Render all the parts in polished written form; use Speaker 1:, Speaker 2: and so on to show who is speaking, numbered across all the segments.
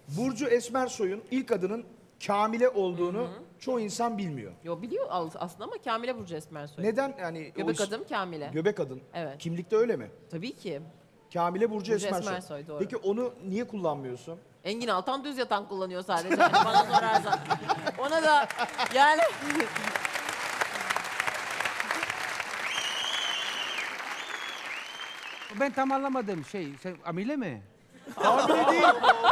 Speaker 1: Burcu Esmersoy'un ilk adının Kamile olduğunu çoğu insan bilmiyor.
Speaker 2: Yo biliyor aslında ama Kamile Burcu Esmersoy.
Speaker 1: Neden yani
Speaker 2: Göbek adım Kamile.
Speaker 1: Göbek adın.
Speaker 2: Evet.
Speaker 1: Kimlikte öyle mi?
Speaker 2: Tabii ki.
Speaker 1: Kamile Burcu
Speaker 2: Burcu
Speaker 1: Esmersoy.
Speaker 2: Esmersoy, doğru.
Speaker 1: Peki onu niye kullanmıyorsun?
Speaker 2: Engin Altan düz yatan kullanıyor sadece. Yani bana sorarsan. Ona da yani
Speaker 3: Ben tam anlamadım sen Amile mi?
Speaker 1: Kamile değil.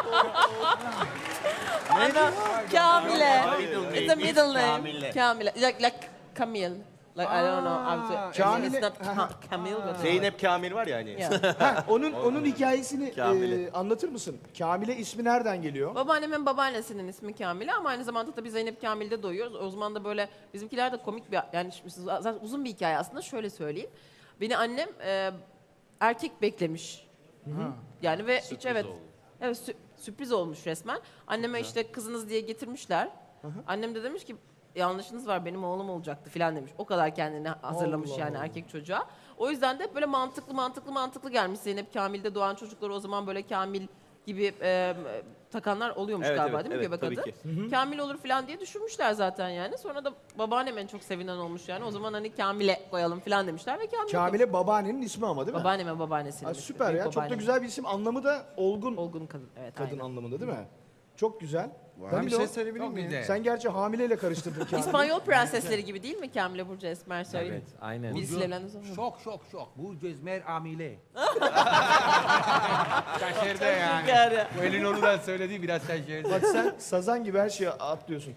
Speaker 2: ana Kamile.
Speaker 4: Middle
Speaker 2: It's a
Speaker 4: name
Speaker 2: middle
Speaker 4: is
Speaker 2: name.
Speaker 4: Kamile.
Speaker 2: Kamile. Like Camille. Like I don't know.
Speaker 1: Kamile-
Speaker 2: It's not Camille but
Speaker 4: Zeynep Kamil var ya hani.
Speaker 2: Yeah.
Speaker 1: Ha, onun hikayesini
Speaker 4: Kamile.
Speaker 1: anlatır mısın? Kamile ismi nereden geliyor?
Speaker 2: Babaannemin babaannesinin ismi Kamile ama aynı zamanda tabii Zeynep Kamil'de doğuyoruz. O zaman da böyle bizimkiler de komik bir yani şimdi zaten uzun bir hikaye aslında şöyle söyleyeyim. Beni annem erkek beklemiş. Yani ve hiç evet. Evet sürpriz olmuş resmen. Anneme işte kızınız diye getirmişler. Annem de demiş ki yanlışınız var benim oğlum olacaktı filan demiş. O kadar kendini hazırlamış
Speaker 1: Allah
Speaker 2: yani
Speaker 1: Allah.
Speaker 2: erkek çocuğa. O yüzden de böyle mantıklı gelmiş. Zeynep Kamil'de doğan çocuklar o zaman böyle Kamil gibi takanlar oluyormuş
Speaker 4: Evet,
Speaker 2: galiba
Speaker 4: evet,
Speaker 2: değil mi
Speaker 4: evet,
Speaker 2: göbek
Speaker 4: tabii
Speaker 2: adı? Kamil olur falan diye düşünmüşler zaten yani. Sonra da babaannem en çok sevinen olmuş yani. O zaman hani Kamil'e koyalım falan demişler ve Kamil
Speaker 1: Kamile babaannenin ismi ama değil mi?
Speaker 2: babaannemin babaannesinin.
Speaker 1: Ha,
Speaker 2: ismi,
Speaker 1: süper
Speaker 2: büyük
Speaker 1: ya. Çok da
Speaker 2: babaannemin.
Speaker 1: güzel bir isim. Anlamı da olgun
Speaker 2: Olgun kadın. Evet
Speaker 1: kadın
Speaker 2: aynen.
Speaker 1: anlamında değil mi? Çok güzel.
Speaker 5: Ben bir
Speaker 1: Danilo,
Speaker 5: şey söyleyebilir
Speaker 3: Çok
Speaker 5: miyim?
Speaker 3: güzel.
Speaker 1: sen gerçi hamileyle karıştırdın Kamil'i.
Speaker 2: İspanyol prensesleri gibi değil mi Kamile Burcu Esmersoy?
Speaker 6: Evet, aynen.
Speaker 2: Birisiyle evlendi sonra.
Speaker 3: Şok. Bu Cezmer Amile. Şaşırdı yani.
Speaker 2: Yani.
Speaker 3: Bu elin onu da söylediği biraz şaşırdı.
Speaker 1: Bak sen sazan gibi her şeye atlıyorsun.